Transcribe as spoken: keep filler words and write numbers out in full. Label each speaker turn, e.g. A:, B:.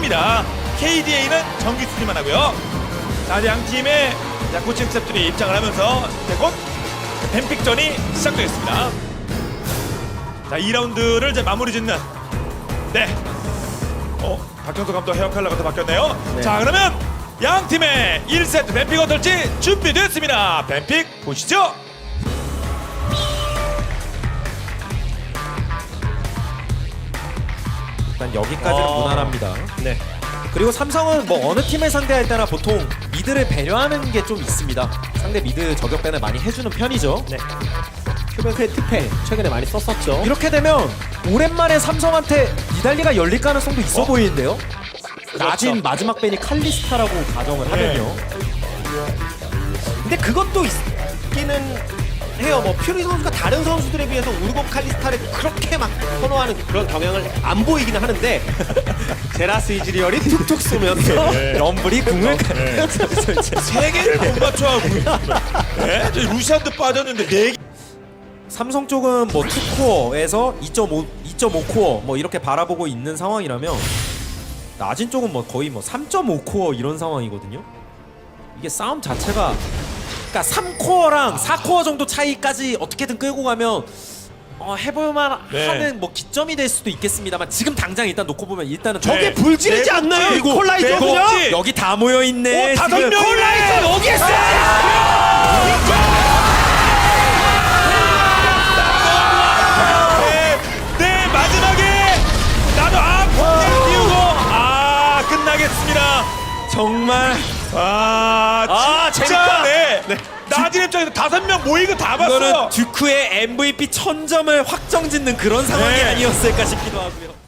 A: 수비입니다. 케이디에이는 정기 수비만 하고요. 자, 양 팀의 자, 코칭 스태프들이 입장을 하면서 이제 곧 뱀픽전이 시작되겠습니다. 자, 이 라운드를 이제 마무리 짓는 네. 어, 박경수 감독 헤어 컬러가 또 바뀌었네요.
B: 네.
A: 자, 그러면 양 팀의 일 세트 뱀픽 어떨지 준비됐습니다. 뱀픽 보시죠.
B: 일단 여기까지는
A: 어.
B: 무난합니다.
C: 네.
B: 그리고 삼성은 뭐 어느 팀을 상대할 때나 보통 미드를 배려하는 게 좀 있습니다. 상대 미드 저격배는 많이 해주는 편이죠.
C: 네. 큐베크의 특패 최근에 많이 썼었죠.
B: 이렇게 되면 오랜만에 삼성한테 니달리가 열릴 가능성도 있어
A: 어?
B: 보이는데요.
A: 그렇죠.
B: 낮은 마지막 밴이 칼리스타라고 가정을 하면요.
C: 근데 그것도 있기는 해요. 뭐 퓨리 선수가 다른 선수들에 비해서 우르고 칼리스타를 그렇게 막 선호하는 그런 경향을 안 보이기는 하는데 제라스 이즈리얼이 툭툭 쏘면서
A: 네.
B: 럼블이 궁을
A: 세 개를 못 맞춰하고 네? 저 루시안도 빠졌는데 네 개.
B: 삼성 쪽은 뭐 이 코어에서 이 점 오, 이 점 오 코어 뭐 이렇게 바라보고 있는 상황이라면 나진 쪽은 뭐 거의 뭐 삼 점 오 코어 이런 상황이거든요. 이게 싸움 자체가 그러니까 삼 코어랑 사 코어 정도 차이까지 어떻게든 끌고 가면 어, 해볼만
A: 네.
B: 하는 뭐 기점이 될 수도 있겠습니다.만 지금 당장 일단 놓고 보면 일단은
A: 네.
C: 저게 불지르지
A: 네
C: 않나요?
A: 번째,
C: 이 콜라이저
A: 네
C: 그냥?
A: 번째.
B: 여기 다 모여 있네.
A: 오, 다섯 명이네.
C: 콜라이저 여기 있어!
A: 네, 네, 마지막에 나도 아 번째를 띄우고 아 끝나겠습니다.
B: 정말
A: 아,
B: 아,
A: 진짜
B: 재밌다.
A: 네. 나진 입장에서 다섯 명 모이고 다 봤어요.
B: 이거는 듀크의 엠브이피 천 점을 확정짓는 그런 상황이
A: 네.
B: 아니었을까 싶기도 하고요.